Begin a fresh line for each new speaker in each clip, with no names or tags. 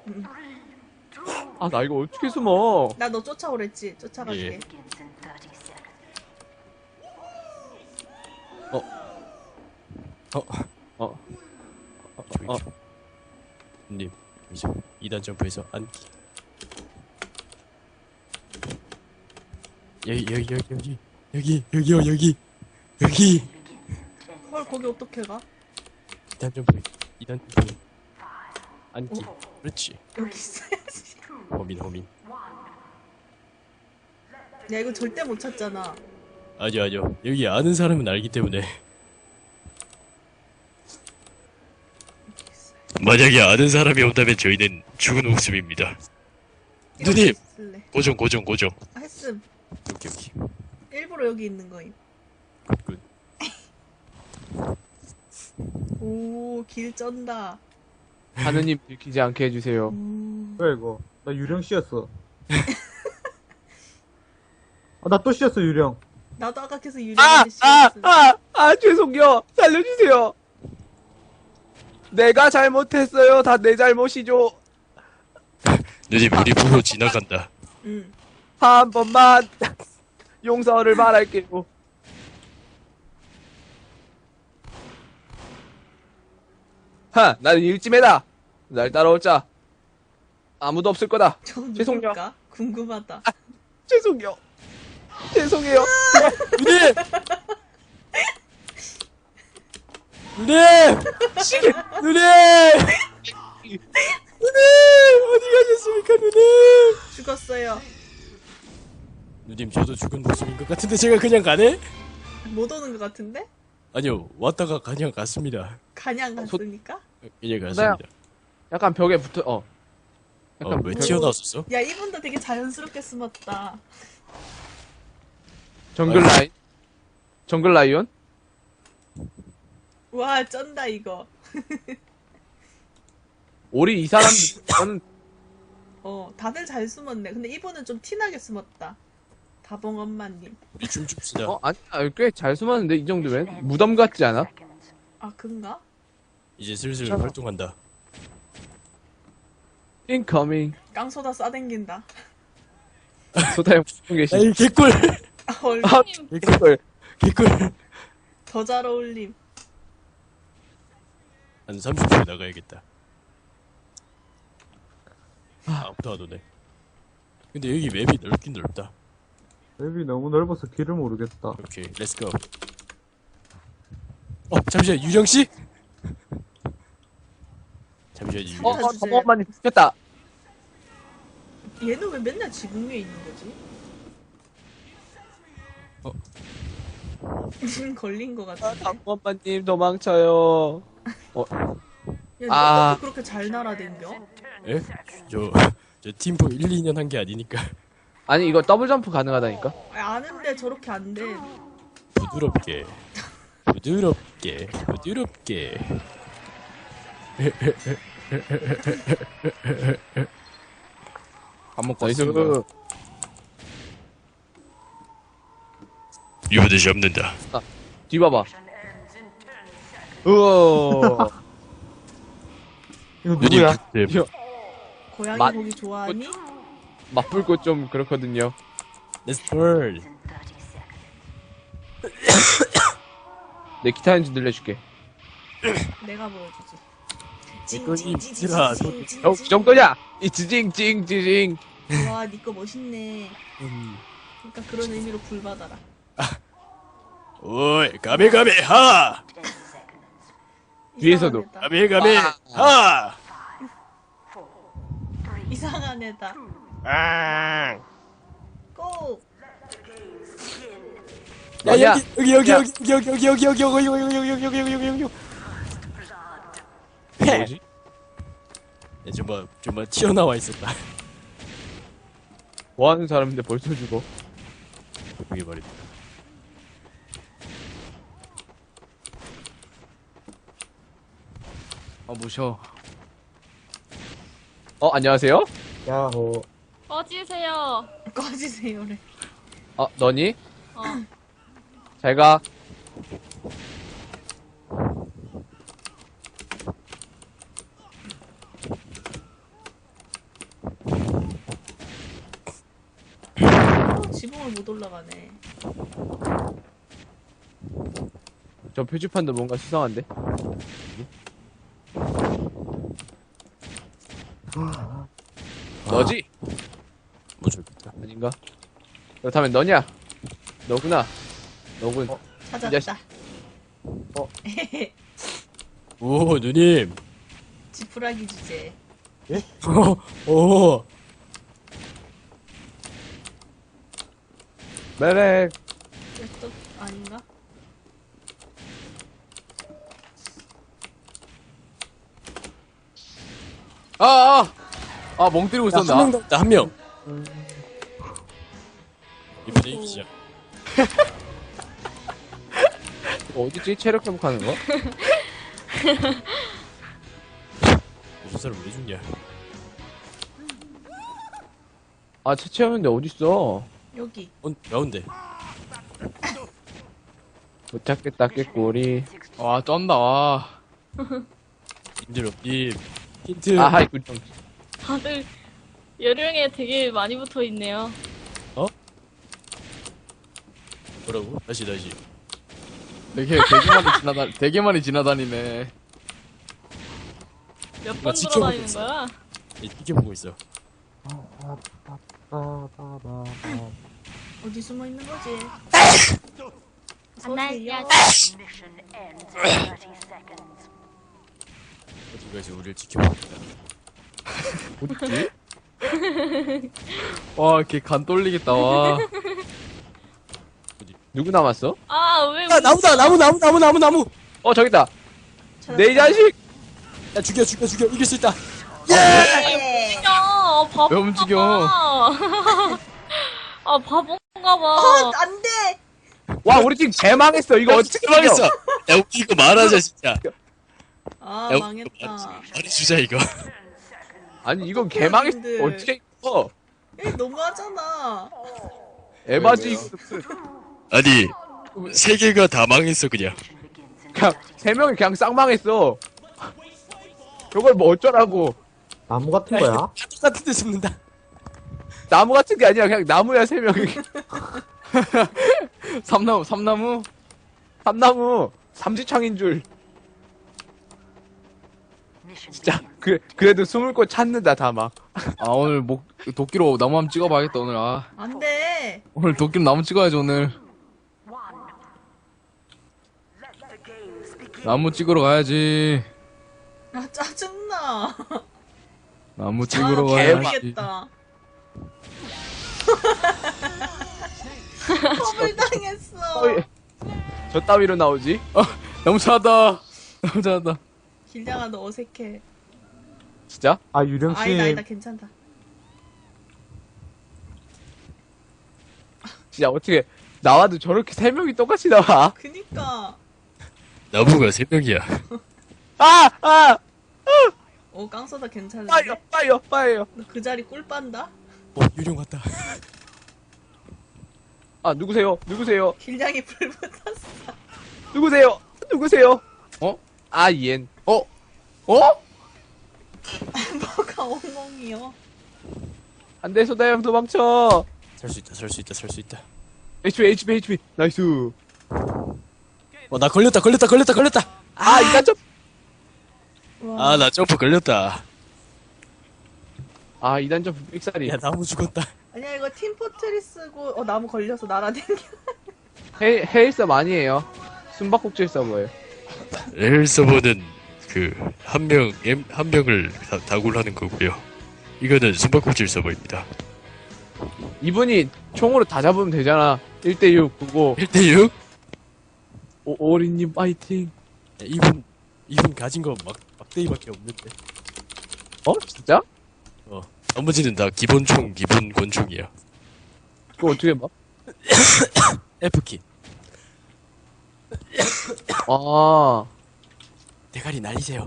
아, 나 이거 어떻게 숨어?
나 너 쫓아오랬지? 쫓아갈게.
예.
어, 어, 어.
님, 이제 2단 점프해서 앉기. 여기.
헐, 거기 어떻게 가?
2단 점프. 2단 점프. 앉기. 그렇지.
여기 있어야지.
호민.
야, 이거 절대 못 찾잖아.
아니요. 여기 아는 사람은 알기 때문에. 만약에 아는 사람이 온다면 저희는 죽은 목숨입니다. 누님!
쓸래.
고정.
아, 했음.
오케이.
일부러 여기 있는 거임.
굿.
오, 길 쩐다.
하느님 들키지 않게 해주세요.
뭐야 이거? 나 유령 씨였어. 아, 나 또 씨였어 유령.
나도 아까 계속 유리한테 씌웠음.
죄송해요. 살려주세요. 내가 잘못했어요. 다 내 잘못이죠.
누님, 우리 보고 지나간다.
응.
한 번만 용서를 바랄게요. 나는 일찜해다. 날 따라오자. 아무도 없을 거다.
저
죄송해요.
누굴까? 궁금하다.
죄송해요. 죄송해요.
누님! 어디 가셨습니까, 누님?
죽었어요.
누님, 저도 죽은 목숨인 것 같은데 제가 그냥 가네?
못 오는 것 같은데?
아니요, 왔다가 그냥 갔습니다.
간양 갔으니까?
그냥 갔습니다.
약간 벽에 붙어. 약간
왜
벽에-
튀어나왔었어?
야, 이분도 되게 자연스럽게 숨었다.
정글 라이온?
와, 쩐다, 이거.
우리 이 사람 저는
다들 잘 숨었네. 근데 이분은 좀 티나게 숨었다. 다봉 엄마님.
우리 춤춥시다.
아니야 꽤 잘 숨었는데 이 정도면 무덤 같지 않아?
아, 그런가?
이제 슬슬 활동한다.
인커밍.
깡소다 싸댕긴다.
소다형 보고 계시.
에이, 개꿀!
헐,
개꿀.
더 잘 어울림.
한 30초에 나가야겠다. 아무도 안 오네. 근데 여기 맵이 넓긴 넓다.
맵이 너무 넓어서 길을 모르겠다.
오케이, 렛츠고. 잠시만, 유령씨? 잠시만, 유령.
주세요.
잠깐만 됐다.
얘는 왜 맨날 지붕 위에 있는 거지? 걸린 거 같은데.
잠깐만님 도망쳐요.
야,
아.
어떻게 그렇게 잘 날아댕겨?
에? 저 팀포 1, 2년 한 게 아니니까.
아니 이거 더블 점프 가능하다니까?
아는데 저렇게 안 돼.
부드럽게.
밥 먹고
나이스.
왔습니다.
유부듯이 없는다.
뒤봐봐. 우와.
이거
누님,
누구야?
이거
고양이
맛-
고기 좋아하니?
맛불꽃 좀 그렇거든요.
Let's burn.
내 기타 연주 늘려줄게.
내가 보여주지.
이거니, 얘들아,
좀 끄자. 이 지징.
와, 니 거 멋있네. 그러니까 그런 의미로 불 받아라.
오이, 가메가메, 하!
뒤에서도.
가메가메, 하!
이상한 애다.
아!
고!
야,
야,
여기.
뭐지?
야, 정말 튀어나와 있었다.
뭐 하는 사람인데 벌써 죽어?
그게 말이다.
무셔. 안녕하세요?
야호.
꺼지세요.
꺼지세요래.
너니?
어.
잘 가.
지붕을 못 올라가네.
저 표지판도 뭔가 수상한데? 너지?
뭐 저기다.
아닌가? 그렇다면 너냐? 너구나. 너군. 이 자식.
찾았다.
오, 누님.
지푸라기 주제.
오.
메렉.
또 아닌가?
멍 때리고
한
있었나?
명 더 있다, 한 명. 이번에 이기자.
어디지? 체력 회복하는 거?
저 사람 왜 죽냐?
아, 채채였는데 어딨어?
여기.
가운데.
못 찾겠다, 깨꼬리.
와, 쩐다, 와.
님들, 님. 힌트.
아하이, 꿀정.
다들 여름에 되게 많이 붙어 있네요.
뭐라고? 다시.
되게 많이 지나다니네.
몇 번
지켜보고
돌아다니는
있어.
거야?
지켜보고 있어.
어디 숨어 있는 거지?
안녕하세요.
어디까지 우리를 지켜보고 있다.
어딨지?
와, 걔 간 떨리겠다, 와.
누구 남았어?
아, 왜
야, 나무다, 나무!
저기다!
찾았다.
내 자식!
야, 죽여. 이길 수 있다.
예!
움직여? 바본가
왜 움직여?
봐. 아, 바본가 봐.
안 돼!
와, 우리 팀 개망했어. 이거 어떻게
망했어. 야, 우리 이거 말하자, 진짜.
아,
야,
망했다.
말해주자, 이거.
아니, 이건 개망했어.
사람들.
어떻게 이거?
야, 너무하잖아.
에바지,
왜요?
이거 무슨.
아니, 세 개가 다 망했어, 그냥.
그냥, 세 명이 그냥 쌍망했어. 저걸 뭐 어쩌라고.
나무 같은 거야?
똑같은 데 숨는다.
나무 같은 게 아니라 그냥 나무야, 세 명이.
삼나무?
삼나무, 삼지창인 줄. 진짜, 그래도 숨을 곳 찾는다, 다 막.
아, 오늘 도끼로 나무 한번 찍어봐야겠다, 오늘. 아,
안 돼!
오늘 도끼로 나무 찍어야지, 오늘. 나무 찍으러 가야지.
아, 짜증나.
나무 찍으러
아,
가야지.
모르겠다. 컵을 당했어.
저 따위로 나오지?
나무 찾았다. 나무 찾았다.
길냥아, 너 어색해.
진짜?
아, 유령씨.
아니다, 괜찮다.
진짜 어떻게, 나와도 저렇게 세 명이 똑같이 나와?
그니까.
나무가 세 명이야.
깡소다 괜찮은데?
빠이요.
너 그 자리 꿀 빤다?
유령 같다.
누구세요?
길냥이 불 붙었어.
누구세요? 옌.
뭐가 엉엉이요?
안 돼, 소다형 도망쳐.
살 수 있다.
HP. 나이스.
나 걸렸다.
이단 점.
와,
나 점프 걸렸다.
이단 점 삑사리.
야, 나무 죽었다.
아니야, 이거 팀포트리스고, 나무 걸려서 날아댕겨.
헤일 서버 아니에요. 숨바꼭질 서버예요.
레일 서버는 한 명을 다굴 하는 거고요. 이거는 숨바꼭질 서버입니다.
이분이 총으로 다 잡으면 되잖아. 1대6 그거.
1대6?
오리님 파이팅.
이분 가진 거 막대기밖에 없는데.
진짜?
나머지는 다 기본 권총이야.
그거 어떻게 봐?
F키. 대가리 날리세요.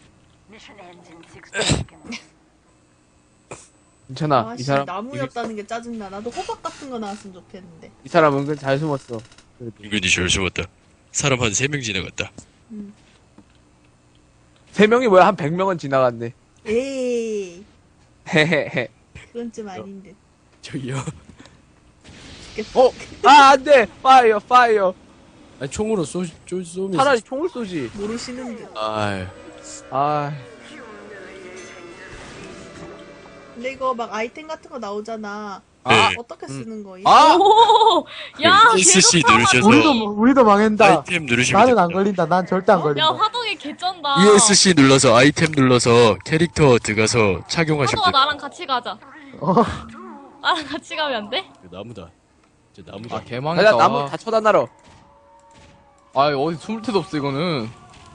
괜찮아. 이
씨,
사람
나무였다는 게 짜증나. 나도 호박 같은 거 나왔으면 좋겠는데.
이 사람 은근 잘 숨었어.
은근히 잘 숨었다. 사람 한 3명 지나갔다.
3명이 뭐야? 한 100명은 지나갔네.
에이,
헤헤헤.
그건 좀 아닌데.
저기요.
죽겠어.
어? 아, 안 돼! 파이어, 파이어.
아니, 총으로 쏘면.
차라리 총을 쏘지.
모르시는 듯.
아이.
아,
근데 이거 막 아이템 같은 거 나오잖아.
네.
어떻게 쓰는 거임?
아!
오, 야,
ESC
개가
누르셔서
우리도 망했다.
아이템 누르시면
나는 안
됩니다.
걸린다. 난 절대 안
야,
걸린다.
화동이 개쩐다.
ESC 눌러서 아이템 눌러서 캐릭터 들어가서 착용하시면
화동아,
돼요.
나랑 같이 가자.
어,
나랑 같이 가면 안 돼?
나무다. 진짜 나무다.
아 개망했다.
나 나무 다 쳐다나러.
아 어디 숨을 데도 없어 이거는.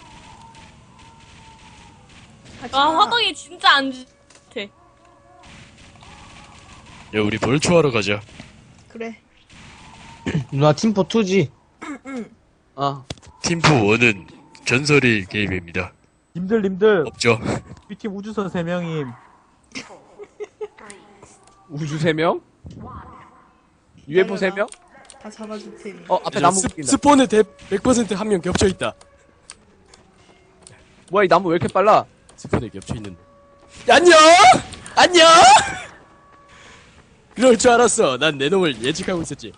하지
와,
마.
화동이 진짜 안 좋대.
야, 우리 벌초하러 가자.
그래.
누나 팀포2지?
아,
팀프 1은 전설의 게임입니다.
님들,
없죠?
우리 팀 우주선 3명임.
우주 3명? UFO 3명?
다 잡아줄 테니.
어, 앞에 나무 웃긴다.
스폰에 100% 한 명 겹쳐있다.
뭐야, 이 나무 왜 이렇게 빨라?
스폰에 겹쳐있는데. 안녕! 안녕! 그럴 줄 알았어. 난 내 놈을 예측하고 있었지.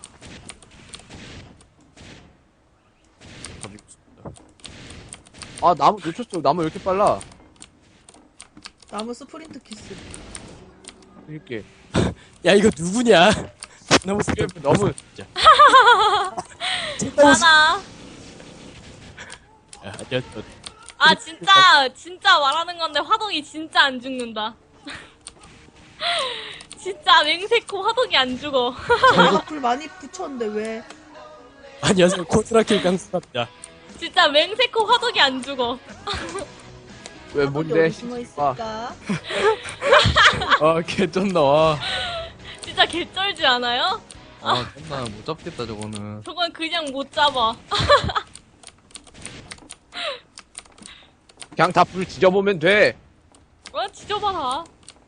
아, 나무 놓쳤어. 나무 왜 이렇게 빨라?
나무 스프린트 키스.
이렇게.
야, 이거 누구냐? 너무 스폰
너무.
진짜.
나나.
야, 야,
아, 진짜 말하는 건데 화동이 진짜 안 죽는다. 진짜 맹세코 화동이 안 죽어.
내가 불 많이 붙였는데 왜?
안녕하세요. 코트라킬 강수갑니다.
진짜 맹세코 화동이 안 죽어.
왜, 뭔데?
어디 숨어 있을까?
아 개쩐다. 와.
진짜 개쩔지 않아요?
아 쩐다. 못 잡겠다 저거는.
저건 그냥 못 잡아.
그냥 다 불 지져보면 돼.
지져봐라.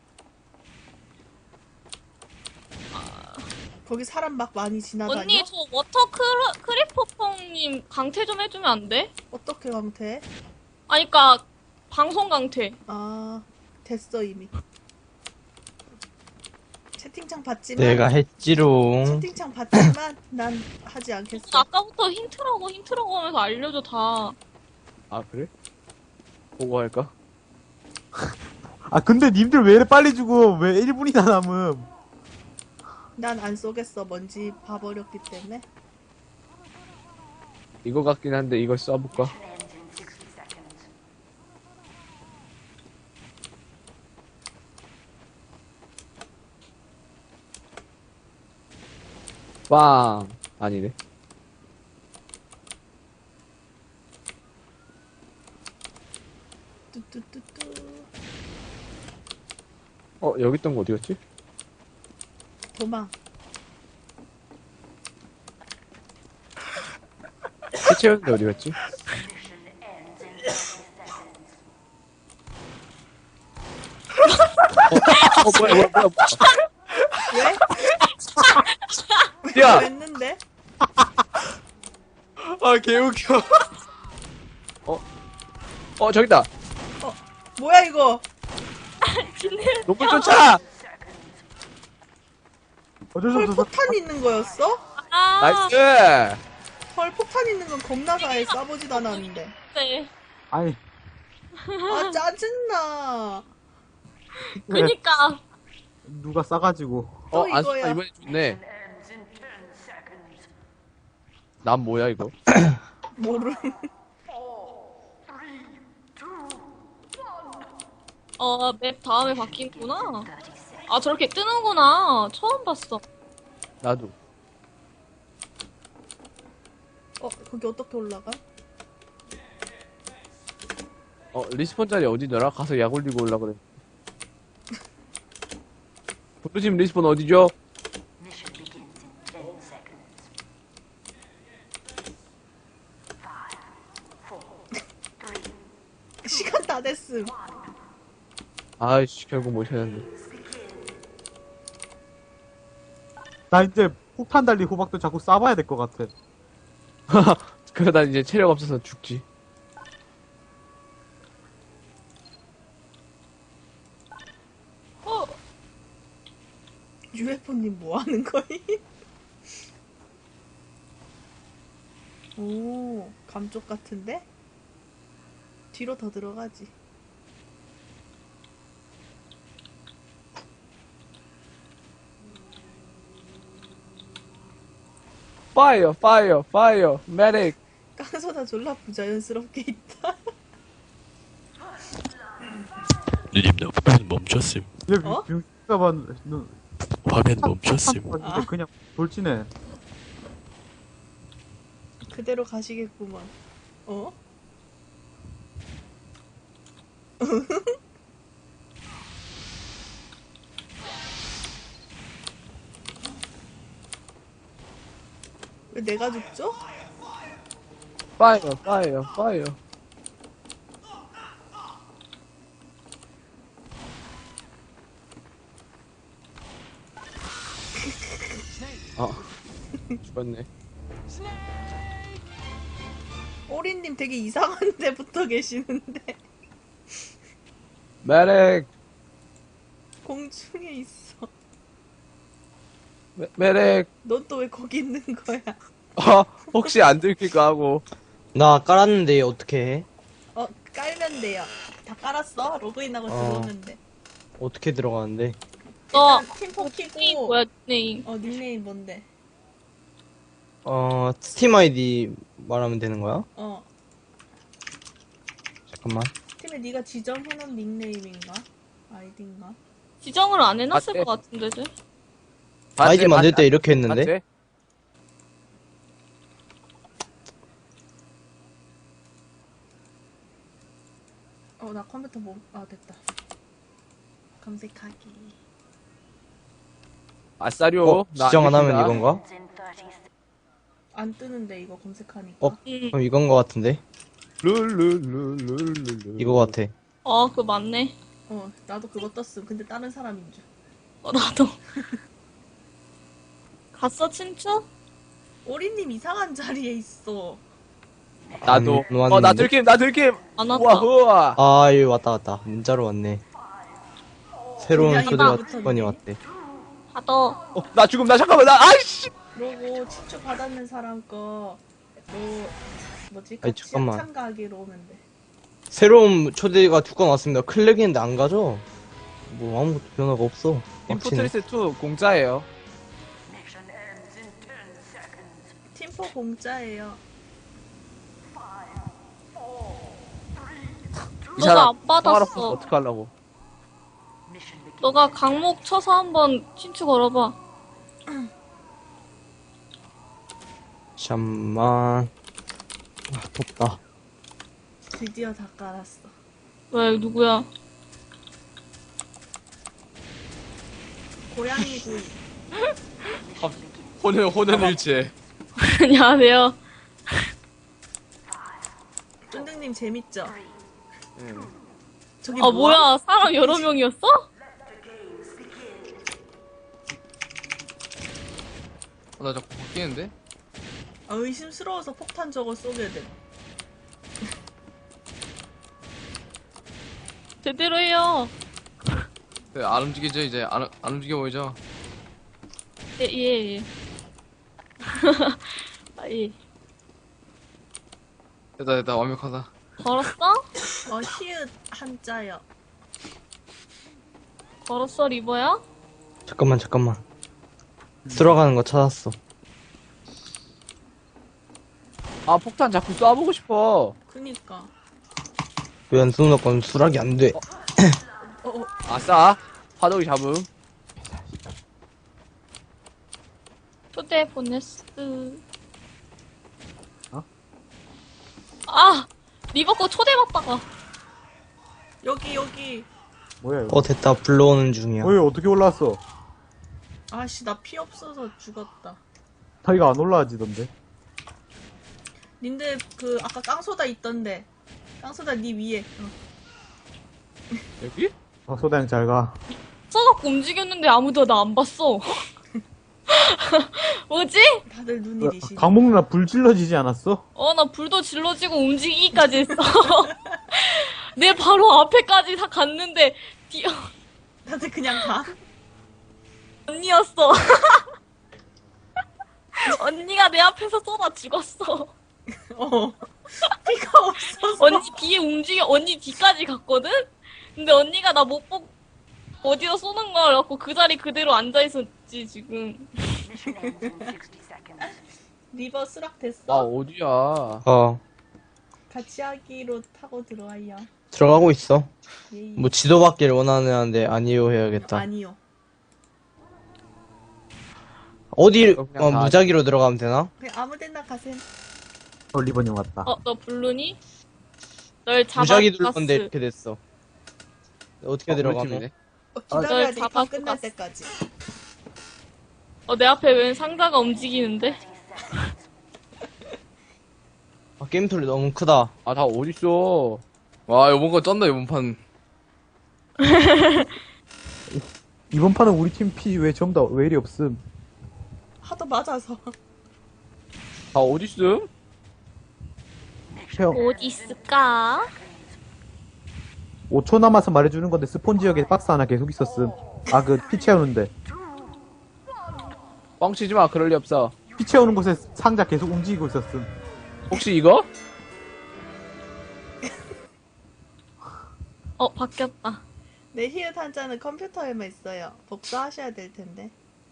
거기 사람 막 많이 지나다녀?
언니, 저 워터 크리퍼펑님 강퇴 좀 해주면 안 돼?
어떻게 강퇴?
아니, 그니까, 방송 강퇴.
아, 됐어 이미. 채팅창 봤지만
내가 했지롱.
채팅창 봤지만 난 하지 않겠어.
아까부터 힌트라고 하면서 알려줘, 다.
아, 그래? 보고 할까?
아, 근데 님들 왜 이래 빨리 죽어? 왜 1분이나 남음?
난 안 쏘겠어. 먼지 봐버렸기 때문에.
이거 같긴 한데, 이걸 쏴볼까? 빵! 아니네.
뚜뚜뚜뚜.
어, 여기 있던 거 어디였지?
도망.
해체였는데 어디였지? 뭐야.
왜?
야!
왜 했는데?
아 개웃겨.
저기다!
뭐야 이거?
놈을 쫓아!
어쩔 수
헐
없어.
폭탄 있는 거였어?
아,
나이스!
헐 폭탄 있는 건 겁나 사해 쏴보지도 않았는데.
네.
아니,
아 짜증나.
그니까.
누가 싸가지고.
또
안
이거야.
쏜다, 이번에 좋네. 난 뭐야, 이거?
모르.
맵 다음에 바뀌구나. 아, 저렇게 뜨는구나. 처음 봤어.
나도.
거기 어떻게 올라가?
리스폰 자리 어디더라? 가서 약 올리고 올라 그래. 블루팀 리스폰 어디죠?
시간 다 됐음.
아이씨, 결국 못 찾았네.
나 이제 폭탄 달린 호박도 자꾸 쏴봐야 될 것 같아.
그러다 이제 체력 없어서 죽지.
UFO님 뭐 하는 거임? 오, 감쪽 같은데? 뒤로 더 들어가지.
파이어, 파이어, 파이어, 메딕.
깡소다 졸라 부자연스럽게 있다.
누님 나 화면 멈췄음.
얘
어?
병신가 봐. 너
화면 멈췄음.
봤는데 그냥 돌진해.
그대로 가시겠구만. 어? 왜 내가 죽죠?
파이어, 파이어, 파이어.
죽었네.
오리님 되게 이상한 데부터 계시는데
메딕,
공중에 있어.
메딕.
넌 또 왜 거기 있는 거야?
혹시 안 들킬까 하고.
나 깔았는데 어떻게 해?
깔면 돼요. 다 깔았어? 로그인하고 들어오면 돼.
어떻게 들어가는데?
너
일단 팀포
닉네임
키고
뭐야 닉네임?
닉네임 뭔데?
스팀 아이디 말하면 되는 거야? 잠깐만.
팀에 네가 지정해놓은 닉네임인가? 아이디인가?
지정을 안 해놨을
맞대.
것 같은데 쟤?
아이디 만들 때 이렇게 했는데?
맞지?
나 컴퓨터 됐다. 검색하기.
아싸리오. 나
지정 안 하면
들킨다.
이건가?
안 뜨는데 이거 검색하니까.
그럼 이건 거 같은데?
룰룰룰룰룰룰.
이거 같아.
그거 맞네.
나도 그거 떴음. 근데 다른 사람인 줄.
나도. 갔어 친추?
오리님 이상한 자리에 있어.
나도.
안 왔는데?
나 들킴, 나 들킴.
안
우와,
왔다.
우와.
아, 여기 왔다. 문자로 왔네. 새로운
그냥
초대가
이거부터
두 번이
누르니?
왔대.
받아.
나 죽음, 나 잠깐만, 아이씨.
그러고 친추 받았는 사람 거 뭐지?
아니,
같이
잠깐만.
참가하기로 오면 돼.
새로운 초대가 두 건 왔습니다. 클릭했는데 안 가죠? 뭐 아무것도 변화가 없어. 빡치네.
인포트리스 2 공짜예요.
팀포 공짜예요.
이
너가
사람
안 받았어.
통화로 어떡하려고.
너가 강목 쳐서 한번 친추 걸어봐.
잠만. 덥다.
드디어 다 깔았어.
왜 누구야?
고양이 구이.
혼연일체.
안녕하세요.
쫀득님 재밌죠? 저기
뭐야 사람 여러 명이었어?
나 자꾸 바뀌는데?
의심스러워서 폭탄 저거 쏘게 돼.
제대로 해요.
네, 안 움직이죠 이제 안 움직여 보이죠?
예. 예.
됐다 완벽하다.
걸었어?
히읗 한자요.
걸었어 리버야?
잠깐만. 들어가는 거 찾았어.
폭탄 자꾸 쏴보고 싶어.
그니까.
왜 안 쏘는 건 수락이 안 돼.
아싸. 화덕이 잡음.
초대 보냈어. 리버 거 초대받다가.
여기.
뭐야 이거?
됐다. 불러오는 중이야.
어이 어떻게 올라왔어?
아씨 나 피 없어서 죽었다.
자기가 안 올라와지던데.
님들 아까 깡소다 있던데. 깡소다 니 위에.
여기?
소다양 잘 가.
써갖고 움직였는데 아무도 나 안 봤어. 뭐지?
다들 눈이 리시.
강목 누나 불 질러지지 않았어?
나 불도 질러지고 움직이기까지 했어. 내 바로 앞에까지 다 갔는데
다들 그냥 가.
언니였어. 언니가 내 앞에서 쏘다 죽었어.
어. 피가 없어서.
언니 뒤에 움직여, 언니 뒤까지 갔거든? 근데 언니가 나 못 보고 어디서 쏘는 걸 갖고 그 자리 그대로 앉아있었지, 지금.
리버 수락 됐어?
아, 어디야.
어,
같이 하기로 타고 들어와요.
들어가고 있어.
예이.
뭐 지도 받기를 원하는데 아니요 해야겠다.
아니요.
어디,
그냥 다
무작위로 들어가면 되나?
그냥 아무데나 가셈.
리버님 왔다.
너 블루니? 널
무작위
잡아갔어.
눌렀는데 이렇게 됐어. 어떻게
우리
들어가노?
팀이네.
기다려야
널
돼. 이판
잡아갔어.
끝날 때까지.
내 앞에 웬 상자가 움직이는데?
아, 게임 소리 너무 크다.
아, 다 어딨어.
와, 요번 거 쩐다, 요번 판.
이번 판은 우리 팀 피 왜 전부 다 왜 이리 없음?
하도 맞아서.
다 어딨음?
형,
어디 있을까?
5초 남아서 말해주는 건데 스폰 지역에 박스 하나 계속 있었음. 아, 그 피 채우는데.
뻥치지 마, 그럴 리 없어.
피 채우는 곳에 상자 계속 움직이고 있었음.
혹시 이거?
바뀌었다.
내 히읗 한자는 컴퓨터에만 있어요. 복사하셔야 될 텐데.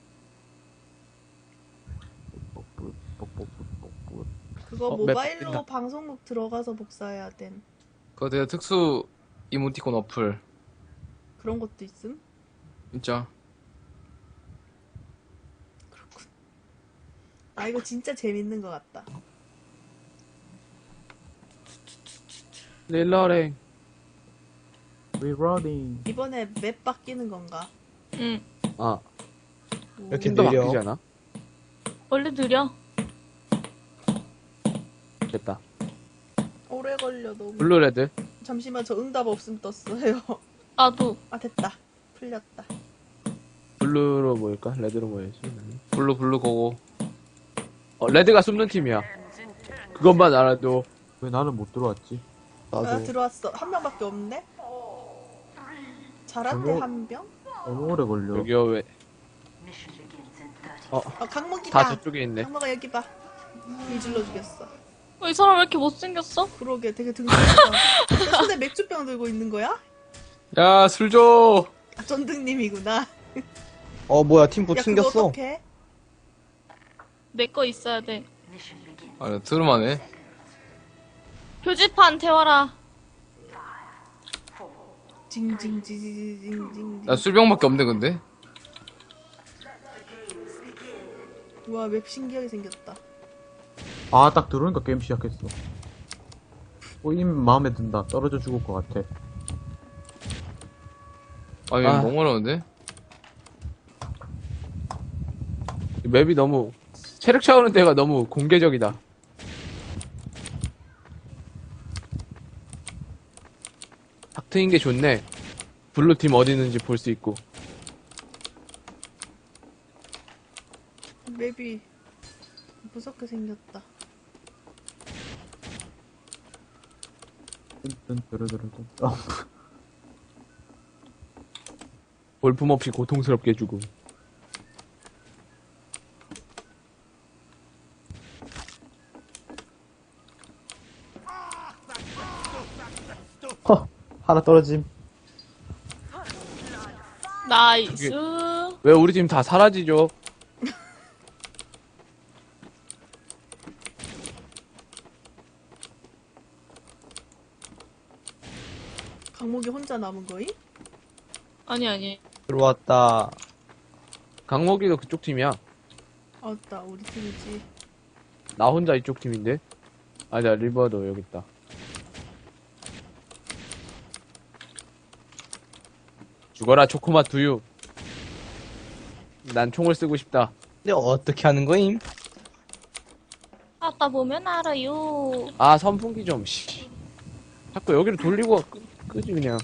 그거
맵
모바일로
바뀐다.
방송국 들어가서 복사해야 된
그거 되게 특수 이모티콘 어플.
그런 것도 있음?
진짜.
아 이거 진짜 재밌는 것 같다.
릴러랭.
We running.
이번에 맵 바뀌는 건가?
응.
아,
오,
이렇게
팀도
느려.
바뀌지 않아?
원래 느려.
됐다.
오래 걸려 너무.
블루레드.
잠시만 저 응답 없음 떴어요.
나도.
아 됐다. 풀렸다.
블루로 모일까? 레드로 모여야지.
블루 고고.
레드가 숨는 팀이야. 그것만 알아도.
왜 나는 못 들어왔지?
아 들어왔어. 한 명밖에 없는데? 잘한데
저거-
한 명?
너무 오래 걸려.
여기요, 왜.
강목이다.
다 저쪽에 있네.
강목아 여기 봐. 일질러 죽였어.
이 사람 왜 이렇게 못생겼어?
그러게 되게 등등하다. 내 손에 맥주병 들고 있는 거야?
야, 술 줘!
아, 전등님이구나.
뭐야, 팀
야 그거
챙겼어.
어떡해?
내 거 있어야 돼.
아, 들으만해.
표지판 태워라.
징징징징징징.
나 술병밖에 없네, 근데.
우와 맵 신기하게 생겼다.
아, 딱 들어오니까 게임 시작했어. 이미 마음에 든다. 떨어져 죽을 것 같아.
아니,
아.
너무 어려운데?
이 맵이 너무, 체력 채우는 데가 너무 공개적이다. 탁 트인 게 좋네. 블루팀 어디 있는지 볼 수 있고.
맵이 무섭게 생겼다.
뜬뜨르르르.
볼품없이 고통스럽게 죽음.
하나 떨어짐.
나이스.
왜 우리 팀 다 사라지죠?
강목이 혼자 남은 거임?
아니.
들어왔다.
강목이도 그쪽 팀이야.
아따 우리 팀이지.
나 혼자 이쪽 팀인데? 아니야, 리버도 여기 있다. 죽어라, 초코맛 두유. 난 총을 쓰고 싶다.
근데 어떻게 하는 거임?
하다 보면 알아요.
아, 선풍기 좀, 씨. 자꾸 여기를 돌리고 끄지, 그냥.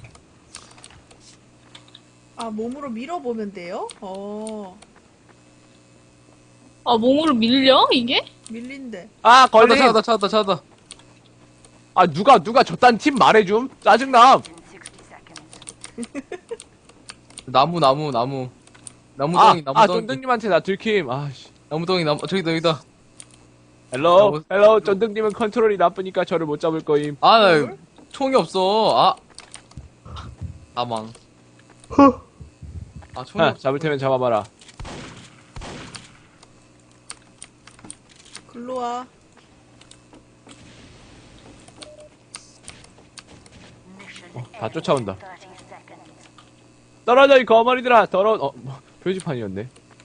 아 몸으로 밀어보면 돼요?
몸으로 밀려? 이게?
밀린대.
아, 걸림!
찾았다.
아, 누가 저딴 팀 말해줌? 짜증남!
나무.
아,
나무덩이.
쫀득님한테 나 들킴. 아, 씨.
나무덩이, 저기다.
헬로, 쫀득님은 컨트롤이 나쁘니까 저를 못 잡을 거임.
아, 나 총이 없어. 사망. 아, 총이 없어.
잡을 테면 잡아봐라.
글로 와.
다 쫓아온다. 떨어져, 이 거머리들아! 더러운, 표지판이었네.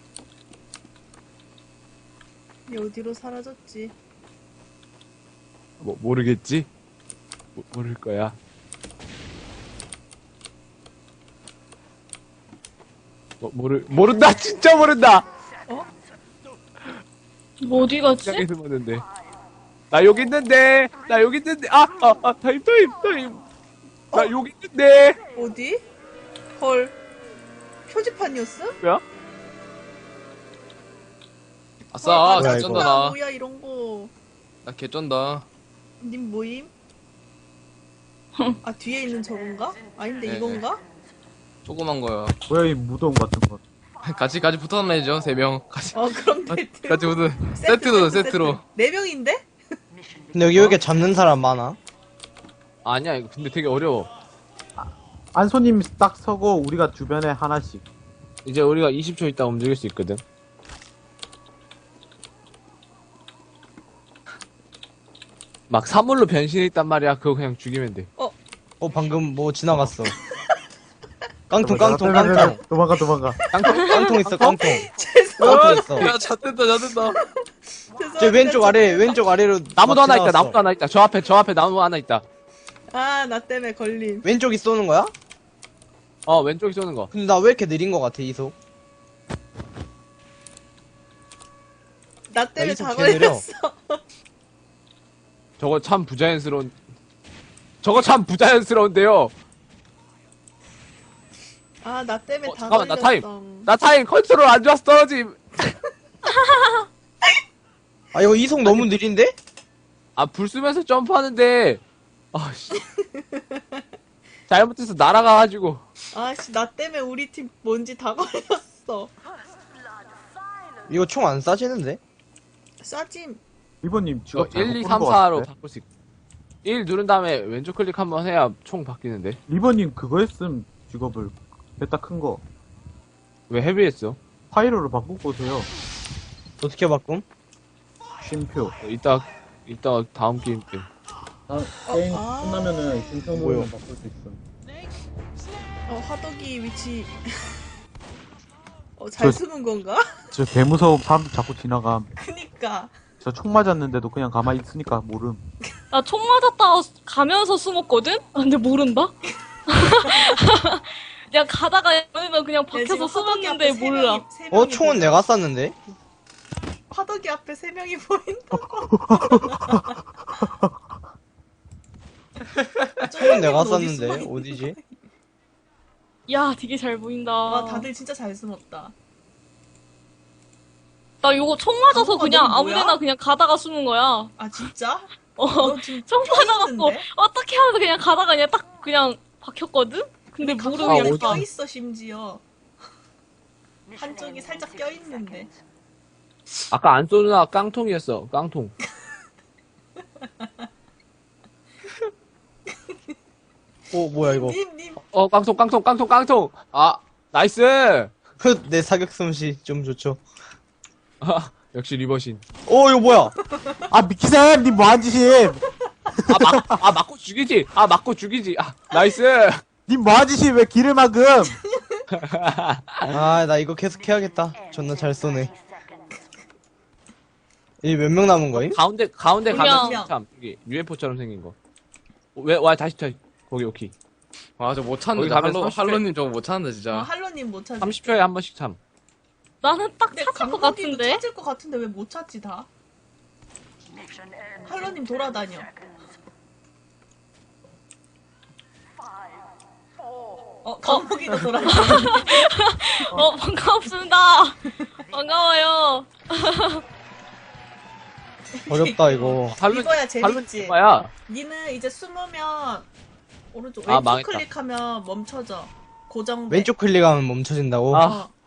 얘 어디로 사라졌지?
모르겠지? 모를 거야. 모른다! 진짜 모른다!
뭐 어디 갔지?
시장에 숨었는데. 나 여기 있는데! 타임. 나 여기 있는데!
어디? 헐. 표지판이었어?
뭐야?
아싸,
뭐야,
개쩐다,
이거.
나.
뭐야 이런 거.
나 개쩐다.
님 모임? 아 뒤에 있는 저건가? 아닌데
네,
이건가?
조그만 거야.
뭐야 이 무덤 같은 거.
같이 붙어 다니죠, 3명. 같이
그럼 데이트.
붙어. 세트로.
4명인데?
근데 여기 왜 이렇게 잡는 사람 많아?
아니야, 이거 근데 되게 어려워.
안소님 딱 서고 우리가 주변에 하나씩.
이제 우리가 20초 있다 움직일 수 있거든. 막 사물로 변신했단 말이야. 그거 그냥 죽이면 돼.
방금 뭐 지나갔어. 깡통.
도망가.
깡통 있어, 깡통.
죄송합니다.
깡통 있어.
야, 잣된다.
저 왼쪽 아래로
나무도
막
하나 있다.
지나갔어.
나무도 하나 있다. 저 앞에 나무 하나 있다.
나 때문에 걸림.
왼쪽이 쏘는 거야?
왼쪽에 쏘는 거.
근데 나 왜 이렇게 느린 거 같아, 이속?
나 때문에
이속
다
개 느려.
걸렸어.
저거 참 부자연스러운데요.
나 때문에 다
잠깐만, 나 타임.
걸렸어.
나 타임 컨트롤 안 좋아서 떨어짐.
이거 이속 너무 느린데?
불 쓰면서 점프하는데. 씨. 잘못해서 날아가가지고.
아씨 나 때문에 우리 팀 뭔지 다 걸렸어.
이거 총 안 쏴지는데?
쏴짐.
리버님 직업
1, 2,
잘못
3,
고른 것
4로
같은데?
바꿀 수 있. 1 누른 다음에 왼쪽 클릭 한번 해야 총 바뀌는데.
리버님 그거 했음 직업을. 됐다 큰 거.
왜 헤비했어?
파이로로 바꾸고 오세요.
어떻게 바꿈?
쉼표.
이따 다음 게임 때.
게임
아.
끝나면은 쉼표
뭐요?
누르면 바꿀 수 있어.
화덕이 위치. 잘 숨은 건가?
저 개무서움 사람들 자꾸 지나감.
그니까.
저 총 맞았는데도 그냥 가만히 있으니까 모름.
나 총 맞았다가 가면서 숨었거든? 근데 모른다? 내가 가다가 얘는 그냥 박혀서 숨었는데 몰라.
총은 내가 쐈는데?
화덕이 앞에 3명이 보인다.
총은 내가 쐈는데? 어디지?
야, 되게 잘 보인다.
와 다들 진짜 잘 숨었다.
나 요거 총 맞아서
방어가
그냥
너무 뭐야?
아무데나 그냥 가다가 숨은 거야.
아 진짜?
어,
너 지금
총 맞아갖고
껴있는데?
어떻게 하면서 그냥 가다가 그냥 딱 그냥 박혔거든? 근데 모르고
가까이
그냥
껴있어 심지어. 한쪽이 살짝 껴있는데.
아까 안 쏘누나 깡통이었어. 깡통.
뭐야 이거.
님.
깡통. 나이스.
내 사격 솜씨 좀 좋죠.
역시 리버신.
이거 뭐야?
미키쌤! 님 뭐한 짓임!
맞고 죽이지. 나이스.
님 뭐한 짓임! 왜 길을 막음!
나 이거 계속 해야겠다. 존나 잘 쏘네. 이 몇 명 남은 거임?
가운데
그냥-
가면 참 이게 UFO처럼 생긴 거. 와 다시 거기 오케이.
저 못
거기
찾는다.
가면 30회.
할로님 저거 못 찾는다, 진짜.
할로님 못 찾을.
30초에 한 번씩 참.
나는 딱
근데
찾을 것
강국이도
같은데?
찾을 것 같은데 왜 못 찾지 다? 할로님 돌아다녀. 강국이도 돌아다녀.
반갑습니다. 반가워요.
어렵다 이거.
이거야 재밌지.
뭐야?
니는 이제 숨으면 오른쪽
아,
왼쪽
망했다.
클릭하면 멈춰져. 고정돼.
왼쪽 클릭하면 멈춰진다고?
아.